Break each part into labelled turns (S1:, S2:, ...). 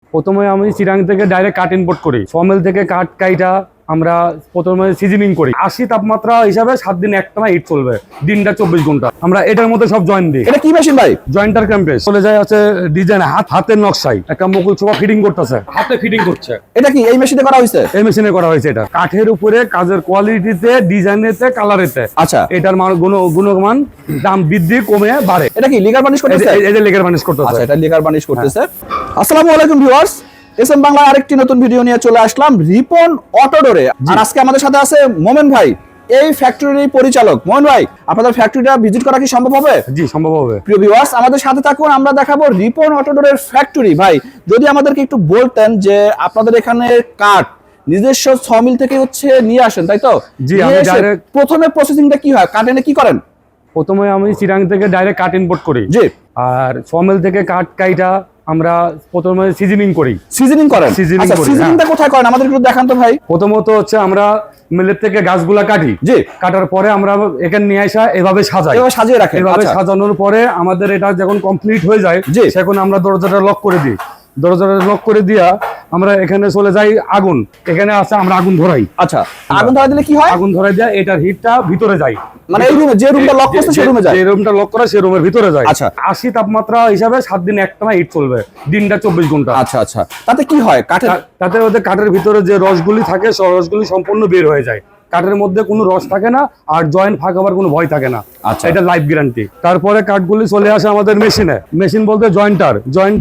S1: প্রথমে আমি চিরাং থেকে ডাইরেক্ট কাঠ ইম্পোর্ট করি। সমেল থেকে কাঠ কাইটা আমরা প্রথমে সিজনিং করি। 80 তাপমাত্রা হিসাবে 7 দিন একটানা হিট চলবে, দিনটা 24 ঘন্টা। আমরা এটার মধ্যে সব জয়েন্ট দিই।
S2: এটা কি মেশিন ভাই?
S1: জয়েন্টার ক্যাম্পেস চলে যায় আছে ডিজাইন হাতের নকশায় একটা মুকুল ছোপা ফিটিং করতেছে, হাতে ফিটিং করছে।
S2: এটা কি এই মেশিনে করা হয়েছে?
S1: এই মেশিনে করা হয়েছে। এটা কাঠের উপরে কাজের কোয়ালিটিতে, ডিজাইনেতে, কালারেতে।
S2: আচ্ছা,
S1: এটার গুণমান দাম বৃদ্ধি কমে বাড়ে।
S2: এটা কি লিগার বার্নিশ করতেছে?
S1: এই যে লেগার বার্নিশ করতেছে।
S2: আচ্ছা, এটা লিগার বার্নিশ করতেছে। আসসালামু আলাইকুম ভিউয়ার্স, এসএম বাংলা আরেকটি নতুন ভিডিও নিয়ে চলে আসলাম রিপন অটোডোরে। আর আজকে আমাদের সাথে আছে মোমেন ভাই, এই ফ্যাক্টরির পরিচালক। মোমেন ভাই, আপনাদের ফ্যাক্টরিটা ভিজিট করা কি সম্ভব হবে?
S1: জি, সম্ভব হবে।
S2: প্রিয় ভিউয়ার্স, আমাদের সাথে থাকুন, আমরা দেখাবো রিপন অটোডোরের ফ্যাক্টরি। ভাই, যদি আমাদেরকে একটু বলতেন যে আপনাদের এখানে কাঠ নিজস্ব সমিল থেকে নিয়ে আসেন, তাই তো?
S1: জি, আমি ডাইরেক্ট
S2: প্রথমে প্রসেসিংটা কি হয়? কাঠ এনে কি করেন?
S1: প্রথমে আমি চিরাং থেকে ডাইরেক্ট কাঠ ইম্পোর্ট করি।
S2: জি।
S1: আর সমেল থেকে কাঠ কাইটা আমরা প্রথমে সিজনিং করি।
S2: সিজনিং করেন? আচ্ছা, সিজনিংটা কোথায় করেন আমাদের একটু দেখান তো ভাই।
S1: প্রথমত আমরা মিলের থেকে গাছগুলা কাটি।
S2: জি।
S1: কাটার পরে আমরা এখানে নিয়ে আসা এভাবে সাজাই,
S2: এভাবে সাজিয়ে রাখেন।
S1: এভাবে সাজানোর পরে আমাদের এটা যখন কমপ্লিট হয়ে যায়, তখন আমরা দরজাটা লক করে দিই। দরজাটা লক করে দিয়া আমরা এখানে চলে যাই আগুন। এখানে আছে আমরা আগুন ধরাই।
S2: আচ্ছা, আগুন ধরাই দিলে কি হয়?
S1: আগুন ধরাই দেয়া এটার হিটটা ভিতরে যায়,
S2: মানে এই রুমে যে রুমটা লক করছে সেই রুমে যায়।
S1: যে রুমটা লক করা সেই রুমের ভিতরে যায়।
S2: আচ্ছা,
S1: 80 তাপমাত্রা হিসাবে 7 দিন একটানা হিট চলবে, দিনটা 24 ঘন্টা।
S2: আচ্ছা আচ্ছা, তাতে কি হয়?
S1: তাতে ওদের কাঠের ভিতরে যে রসগুলি থাকে সেই রসগুলি সম্পূর্ণ বের হয়ে যায়। কাঠের মধ্যে কোনো রস থাকে না, আর জয়েন্ট ফাঁক হবার কোনো ভয় থাকে না।
S2: আচ্ছা,
S1: এটা লাইফ গ্যারান্টি। তারপরে কাঠগুলি চলে আসে আমাদের মেশিনে। মেশিন বলতে জয়েন্টার,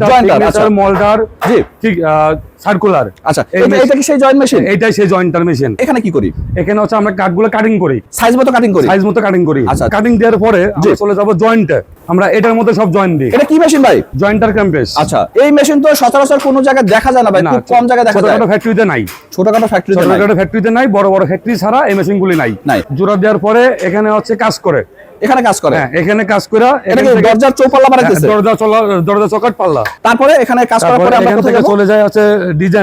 S1: মোল্ডার, ঠিক সার্কুলার।
S2: আচ্ছা, এটা কি সেই জয়েন্ট মেশিন?
S1: এটাই সেই জয়েন্টার মেশিন।
S2: এখানে কি করি?
S1: এখানে আমরা কাঠগুলো কাটিং করি,
S2: সাইজ মতো কাটিং করি।
S1: সাইজ মতো কাটিং করি।
S2: আচ্ছা,
S1: কাটিং দেওয়ার পরে আমরা চলে যাব জয়েন্টে। আমরা এটার মধ্যে সব জয়েন্ট দিই।
S2: এটা কি মেশিন ভাই?
S1: জয়েন্টার ক্যাম্পেস।
S2: আচ্ছা, এই মেশিন তো সচরাচর কোনো জায়গায় দেখা যায় না ভাই, খুব কম জায়গায় দেখা যায়।
S1: ছোটখাটো ফ্যাক্টরিতে নাই।
S2: ছোটখাটো ফ্যাক্টরিতে নাই, বড় বড় ফ্যাক্টরি ছাড়া এই মেশিনগুলি নাই। জোড়া দেওয়ার পরে এখানে কাজ করে। এখানে কাজ করে? হ্যাঁ, এখানে কাজ করে। দরজার চৌপাল্লা বানাইতেছে?
S1: দরজা চৌকাঠ পাল্লা।
S2: তারপরে এখানে কাজ করার পরে আমরা কোথায় যাব?
S1: চলে যায় ডিজাইন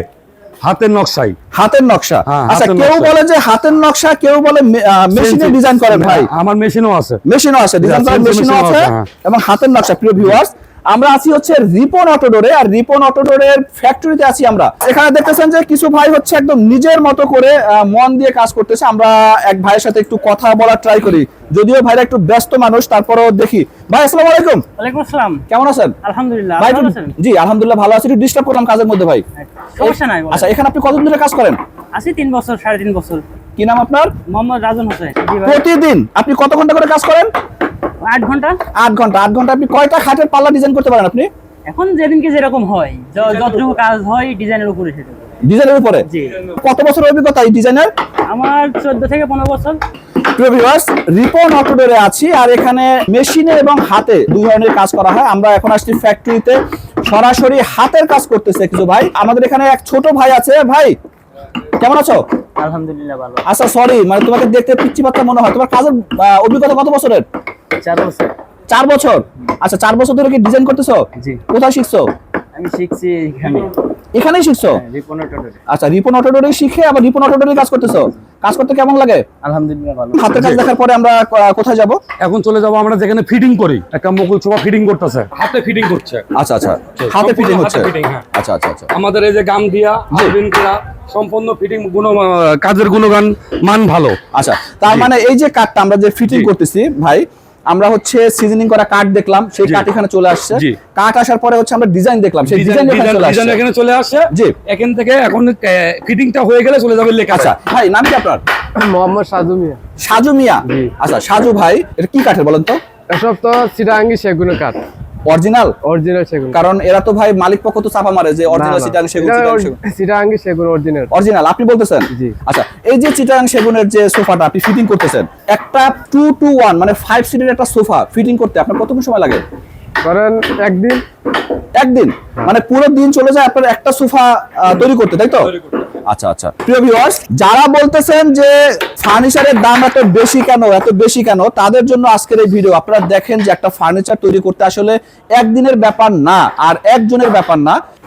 S1: হাতের নকশায়।
S2: হাতের নকশা। আচ্ছা, কেউ বলে যে হাতের নকশা, কেউ বলে মেশিনে ডিজাইন করেন। ভাই,
S1: আমার মেশিনও আছে,
S2: ডিজাইন করার মেশিনও আছে এবং হাতের নকশা। প্রিয় ভিউয়ার্স, আমরা আছি রিপন অটোডোরে। আর রিপন অটোডোরের ফ্যাক্টরিতে আছি আমরা। এখানে দেখতেছেন যে কিছু ভাই একদম নিজের মতো করে মন দিয়ে কাজ করতেছে। আমরা এক ভাইয়ের সাথে একটু কথা বলার ট্রাই করি, যদিও ভাইরা একটু ব্যস্ত মানুষ, তারপরও দেখি। ভাই, আসসালামু আলাইকুম।
S3: ওয়ালাইকুম আসসালাম।
S2: কেমন আছেন?
S3: আলহামদুলিল্লাহ।
S2: ভাই,
S3: ভালো আছেন?
S2: জি, আলহামদুলিল্লাহ ভালো আছি। একটু ডিস্টার্ব করলাম কাজের মধ্যে ভাই।
S3: সমস্যা নাই।
S2: আচ্ছা, এখানে আপনি কতদিন ধরে কাজ করেন?
S3: আছি 3 বছর, 3.5 বছর।
S2: কি নাম আপনার?
S3: মোহাম্মদ রাজন হোসেন।
S2: প্রতিদিন আপনি কত ঘন্টা করে কাজ করেন?
S3: 8 ঘন্টা।
S2: 8 ঘন্টা। 8 ঘন্টা আপনি কয়টা খাটের পাল্লা ডিজাইন করতে পারেন আপনি?
S3: এখন যেদিনকে যেরকম হয়, যতটুকু কাজ হয় ডিজাইনের উপরে সেটা।
S2: ডিজাইনের উপরে?
S3: জি।
S2: কত বছর অভিজ্ঞতা এই ডিজাইনের?
S3: আমার 14 থেকে 15 বছর।
S2: প্রিয় ভিউয়ার্স, রিপন অটোডোরে আছি। আর এখানে মেশিনে এবং হাতে দুই ধরনের কাজ করা হয়। আমরা এখন আসছি ফ্যাক্টরিতে, সরাসরি হাতের কাজ করতেছে কিছু ভাই। আমাদের এখানে এক ছোট ভাই আছে। ভাই, কেমন আছো?
S3: আলহামদুলিল্লাহ ভালো।
S2: আচ্ছা, সরি, মানে তোমাকে দেখতে পিচ্চি বাচ্চা মনে হয়। তোমার কাজের অভিজ্ঞতা কত বছরের?
S3: 4 বছর।
S2: 4 বছর? আচ্ছা, 4 বছর ধরে কি ডিজাইন করতেছো?
S3: জি।
S2: কোথায় শিখছো?
S3: আমি শিখছি এখানে।
S2: এখানেই শিখছো?
S3: রিপন অটোডোরে।
S2: আচ্ছা, রিপন অটোডোরে শিখে আবার রিপন অটোডোরে কাজ করতেছো। কাজ করতে কেমন লাগে?
S3: আলহামদুলিল্লাহ ভালো।
S2: হাতের কাজ দেখার পরে আমরা কোথায় যাব?
S1: এখন চলে যাব আমরা যেখানে ফিটিং করি। একটা মুকুল ছোপা ফিটিং করতেছে, হাতে ফিটিং করছে।
S2: আচ্ছা আচ্ছা, হাতে ফিটিং হচ্ছে। আচ্ছা আচ্ছা আচ্ছা।
S1: আমাদের এই যে গাম দিয়া আইবিন করা সম্পূর্ণ ফিটিং কাজের গুণগান মান ভালো।
S2: আচ্ছা, তার মানে এই যে কাঠটা আমরা যে ফিটিং করতেছি ভাই, আমরা সিজনিং করা কাঠ দেখলাম, সেই কাঠ এখানে চলে আসছে। কাঠ আসার পরে আমরা ডিজাইন দেখলাম, সেই ডিজাইন
S1: এখানে চলে আসছে।
S2: জি।
S1: এখান থেকে এখন ফিটিংটা হয়ে গেলে চলে যাবে লেখা।
S2: আচ্ছা ভাই, নাম কি আপনার?
S4: মোহাম্মদ সাজু মিয়া।
S2: সাজু মিয়া। আচ্ছা, সাজু ভাই, এটা কি কাঠের বলেন তো?
S4: এসব তো চিটাঙ্গি সেগুনের কাঠ।
S2: অরিজিনাল
S4: সেগুন।
S2: কারণ এরা তো ভাই মালিক পক্ষ তো চাপা মারে যে অরিজিনাল চিটাঙ্গি সেগুন।
S4: চিটাঙ্গি সেগুন অরিজিনাল
S2: আপনি বলতেছেন?
S4: জি।
S2: আচ্ছা, এই যে চিটাঙ্গি সেগুনের যে সোফাটা আপনি ফিটিং করতেছেন, একটা 2 to 1 মানে 5 সিটের একটা সোফা ফিটিং করতে আপনার কতক্ষণ সময় লাগে?
S4: করেন একদিন।
S2: মানে পুরো দিন চলে যায় আপনার একটা সোফা তৈরি করতে, তাই তো? আচ্ছা আচ্ছা। প্রিয় ভিউয়ার্স, যারা বলতেছেন যে ফার্নিচারের দাম এত বেশি কেন, তাদের জন্য আজকের এই ভিডিও। আপনারা দেখেন যে একটা ফার্নিচার তৈরি করতে আসলে একদিনের ব্যাপার না, আর একজনের ব্যাপার না।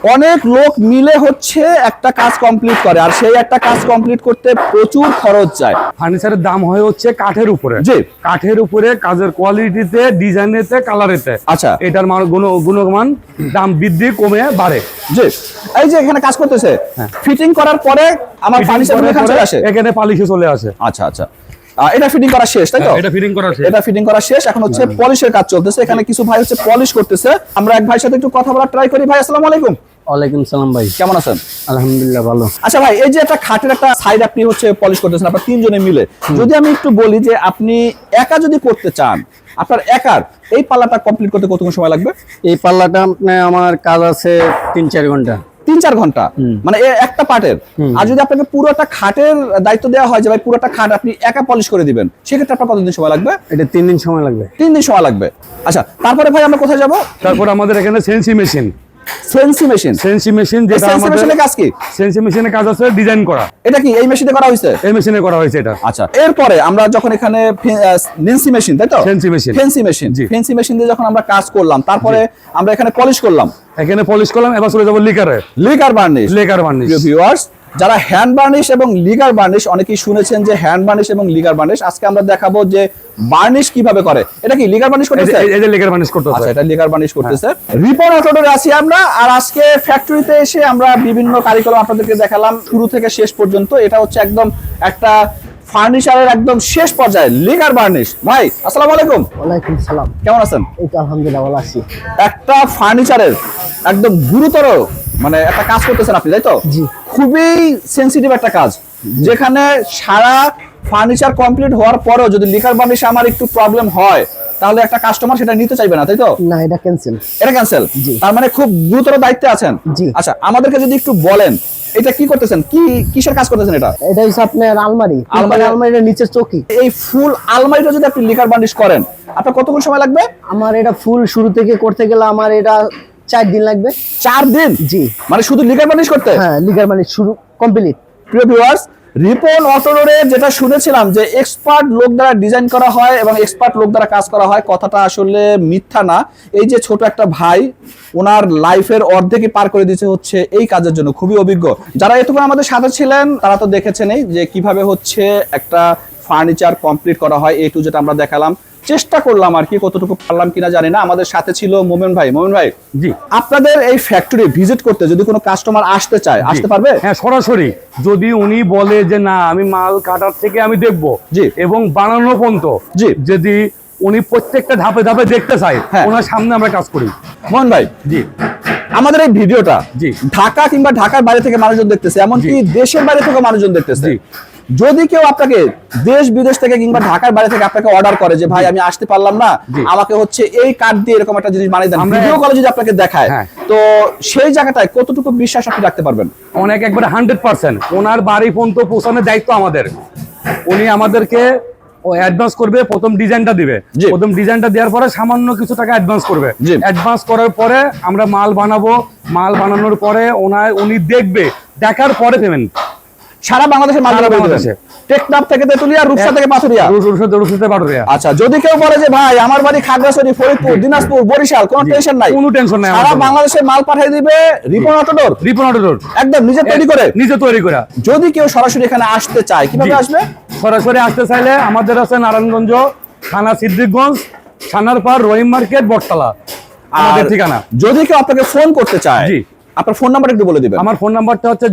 S2: অনেক লোক মিলে হচ্ছে একটা কাজ কমপ্লিট করে, আর সেই একটা কাজ কমপ্লিট করতে প্রচুর খরচ যায়।
S1: ফার্নিচারের দাম হয় হচ্ছে কাঠের উপরে,
S2: জি।
S1: কাঠের উপরে কাজের কোয়ালিটিতে, ডিজাইনেতে, কালারেতে।
S2: আচ্ছা।
S1: এটার গুণমান দাম বৃদ্ধি কমে বাড়ে।
S2: জি, এই যে এখানে কাজ করতেছে, ফিটিং করার পরে আমার ফার্নিচার এখানে চলে আসে,
S1: এখানে পালিশে চলে আসে।
S2: আচ্ছা আচ্ছা, এটা ফিটিং করা শেষ তাই তো?
S1: এটা ফিটিং করা শেষ।
S2: এটা ফিটিং করা শেষ, এখন হচ্ছে পলিশের কাজ চলতেছে। এখানে কিছু ভাই হচ্ছে পলিশ করতেছে। আমরা এক ভাইয়ের সাথে একটু কথা বলার ট্রাই করি। ভাই আসসালামু আলাইকুম।
S3: ওয়ালাইকুম সালাম ভাই,
S2: কেমন আছেন?
S3: আলহামদুলিল্লাহ ভালো।
S2: আচ্ছা ভাই, এই যে একটা খাটের একটা সাইড আপনি হচ্ছে পলিশ করতেছেন আপনারা তিনজনে মিলে, যদি আমি একটু বলি যে আপনি একা যদি করতে চান, আপনার একার এই পাল্লাটা কমপ্লিট করতে কতক্ষণ সময় লাগবে?
S3: এই পাল্লাটা আমার কাজ আছে 3-4 ঘন্টা।
S2: 3-4 ঘন্টা, মানে একটা পার্টের। আর যদি আপনাকে পুরোটা খাটের দায়িত্ব দেওয়া হয় যে ভাই পুরোটা খাট আপনি একা পলিশ করে দিবেন, সেক্ষেত্রে আপনার কতদিন সময় লাগবে?
S3: এটা 3 দিন সময় লাগবে।
S2: 3 দিন সময় লাগবে। আচ্ছা, তারপরে ভাই আমরা কোথায় যাব?
S1: তারপর আমাদের এখানে সেন্সি মেশিন।
S2: সেন্সি মেশিন,
S1: সেন্সি মেশিন যেটা
S2: সেন্সি
S1: আমাদের
S2: মেশিনের কাজ কি?
S1: সেন্সি মেশিনের কাজ আছে ডিজাইন করা।
S2: এটা কি এই মেশিনে করা হয়েছে?
S1: এই মেশিনে করা হয়েছে এটা।
S2: আচ্ছা, এরপরে আমরা যখন এখানে নেন্সি মেশিন, তাই তো?
S1: Fancy machine.
S2: ফেন্সি মেশিন,
S1: জি।
S2: ফেন্সি মেশিন দিয়ে যখন আমরা কাজ করলাম, তারপরে আমরা এখানে পলিশ করলাম,
S1: এখানে পলিশ করলাম, এবার চলে যাবো লিকারে।
S2: Lacquer varnish.
S1: Lacquer varnish.
S2: প্রিয় ভিউয়ার্স, যারা হ্যান্ড বার্নিশ এবং লিগার বার্নিশ অনেকেই শুনেছেন যে হ্যান্ড বার্নিশ এবং লিগার বার্নিশ, আজকে আমরা দেখাবো যে বার্নিশ কিভাবে করে। এটা কি লিগার বার্নিশ করতেছে?
S1: এই যে লিকার বার্নিশ করতেছে।
S2: আচ্ছা, এটা লিগার বার্নিশ করতেছে। রিপন অটোডোরে আছি আমরা, আর আজকে ফ্যাক্টরিতে এসে আমরা বিভিন্ন কারিকুলাম আপনাদেরকে দেখালাম শুরু থেকে শেষ পর্যন্ত। এটা হচ্ছে একদম একটা ফার্নিচারের একদম শেষ পর্যায়ে লিগার বার্নিশ। ভাই আসসালামু আলাইকুম।
S3: ওয়ালাইকুম সালাম।
S2: কেমন আছেন?
S3: এই তো আলহামদুলিল্লাহ ভালো আছি।
S2: একটা ফার্নিচারের একদম গুরুতর মানে একটা কাজ করতেছেন আপনি, তাই তো?
S3: জি।
S2: খুবই সেনসিটিভ একটা কাজ, যেখানে সারা ফার্নিচার কমপ্লিট হওয়ার পরেও যদি লিকার বার্নিশে আমার একটু প্রবলেম হয়, তাহলে একটা কাস্টমার সেটা নিতে চাইবে না, তাই তো?
S3: না, এটা ক্যান্সেল।
S2: এটা ক্যান্সেল।
S3: জি।
S2: তার মানে খুব গুরুতর দায়িত্বে আছেন।
S3: জি।
S2: আচ্ছা, আমাদেরকে যদি একটু বলেন এটা কি করতেছেন, কিসের কাজ করতেছেন? এটা
S3: এটা হচ্ছে আপনার আলমারি।
S2: আলমারি।
S3: আলমারির নিচে চৌকি।
S2: এই ফুল আলমারিটা যদি আপনি লিকার বার্নিশ করেন, আপনার কতক্ষণ সময় লাগবে?
S3: আমার এটা ফুল শুরু থেকে করতে গেলে আমার এটা 4 দিন লাগবে।
S2: 4 দিন?
S3: জি।
S2: মানে শুধু লিকার বার্নিশ করতে?
S3: হ্যাঁ, লিগার মানে শুরু কমপ্লিট।
S2: প্রিয় ভিউয়ার্স, রিপন অটোডোরে যেটা শুনেছিলাম যে এক্সপার্ট লোক দ্বারা ডিজাইন করা হয় এবং এক্সপার্ট লোক দ্বারা কাজ করা হয়, কথাটা আসলে মিথ্যা না। এই যে ছোট একটা ভাই, ওনার লাইফের অর্ধেকই পার করে দিয়েছে হচ্ছে এই কাজের জন্য, খুবই অভিজ্ঞ। যারা এতক্ষণ আমাদের সাথে ছিলেন তারা তো দেখেছেনই যে কিভাবে হচ্ছে একটা ফার্নিচার কমপ্লিট করা হয়, এই টু যেটা আমরা দেখালাম। চেষ্টা করলাম আর কি, কতটুকু পারলাম কিনা জানি না। আমাদের সাথে ছিল মোমেন ভাই। মোমেন ভাই,
S1: জি।
S2: আপনাদের এই ফ্যাক্টরি ভিজিট করতে যদি কোনো কাস্টমার আসতে চায়, আসতে পারবে?
S1: হ্যাঁ, সরাসরি যদি উনি বলে যে না আমি মাল কাটার থেকে আমি দেখবো,
S2: জি।
S1: এবং বানানো পর্যন্ত,
S2: জি।
S1: যদি উনি প্রত্যেকটা ধাপে ধাপে দেখতে চায়,
S2: হ্যাঁ।
S1: ওনার সামনে আমরা কাজ করি।
S2: মোহন ভাই,
S1: জি।
S2: আমাদের এই ভিডিওটা
S1: জি।
S2: ঢাকা কিংবা ঢাকার বাইরে থেকে মানুষজন দেখতেছে, এমনকি দেশের বাইরে থেকে মানুষজন দেখতেছে।
S1: জি।
S2: যদি কেউ আপনাকে দেশ বিদেশ থেকে কিংবা ঢাকার বাইরে থেকে আপনাকে অর্ডার করে যে ভাই আমি আসতে পারলাম না,
S1: জি।
S2: আমাকে হচ্ছে এই কার্ড দিয়ে এরকম একটা জিনিস বানিয়ে দেন,
S1: আমরা-
S2: ভিডিও কলে যদি আপনাকে দেখায়,
S1: হ্যাঁ।
S2: তো সেই জায়গাটায় কতটুকু বিশ্বাস আপনি রাখতে পারবেন?
S1: অনেক, একবারে 100%। ওনার বাড়ি পর্যন্ত পৌঁছানোর দায়িত্ব আমাদের। উনি আমাদেরকে অ্যাডভান্স করবে, প্রথম ডিজাইনটা দিবে।
S2: জি।
S1: প্রথম ডিজাইনটা দেওয়ার পরে সামান্য কিছু টাকা অ্যাডভান্স করবে।
S2: জি।
S1: অ্যাডভান্স করার পরে আমরা মাল বানাবো, মাল বানানোর পরে উনি দেখবে, দেখার পরে পেমেন্ট।
S2: সারা বাংলাদেশের মাল
S1: সারা
S2: বানাবেন?
S1: বাংলাদেশে।
S2: টেকনাফ থেকে তেতুলিয়া, রূপসা থেকে পাথুরিয়া।
S1: রুশতে পাটুরিয়া।
S2: আচ্ছা, যদি কেউ বলে যে ভাই আমার বাড়ি খাগড়াছড়ি, ফরিদপুর, দিনাজপুর, বরিশাল, কোনো টেনশন নাই,
S1: কোনো টেনশন নাই।
S2: সারা বাংলাদেশে মাল পাঠিয়ে দিবে রিপন অটোডোর,
S1: রিপন অটোডোর
S2: একদম নিজে তৈরি করে।
S1: নিজে তৈরি করা।
S2: যদি কেউ সরাসরি এখানে আসতে চায়, কিভাবে
S1: জি।
S2: আসবে?
S1: সরাসরি আসতে চাইলে আমাদের আছে নারায়ণগঞ্জ থানা, সিদ্দিকগঞ্জ, ছানারপাড়, রহিম মার্কেট, বটতলা আমাদের
S2: আর
S1: ঠিকানা।
S2: যদি কেউ আপনাকে ফোন করতে চায়,
S1: জি।
S2: আপনার ফোন নাম্বার একটু বলে দিবেন।
S1: আমার ফোন নাম্বারটা হচ্ছে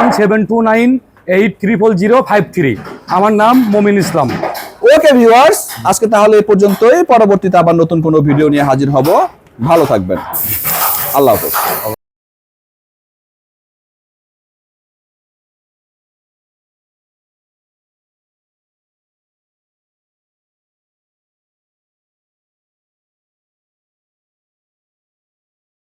S1: 01729800053। আমার নাম মমিন ইসলাম।
S2: ওকে ভিউয়ার্স, আজকে তাহলে এই পর্যন্তই। পরবর্তীতে আবার নতুন কোনো ভিডিও নিয়ে হাজির হব। ভালো থাকবেন। আল্লাহ হাফেজ।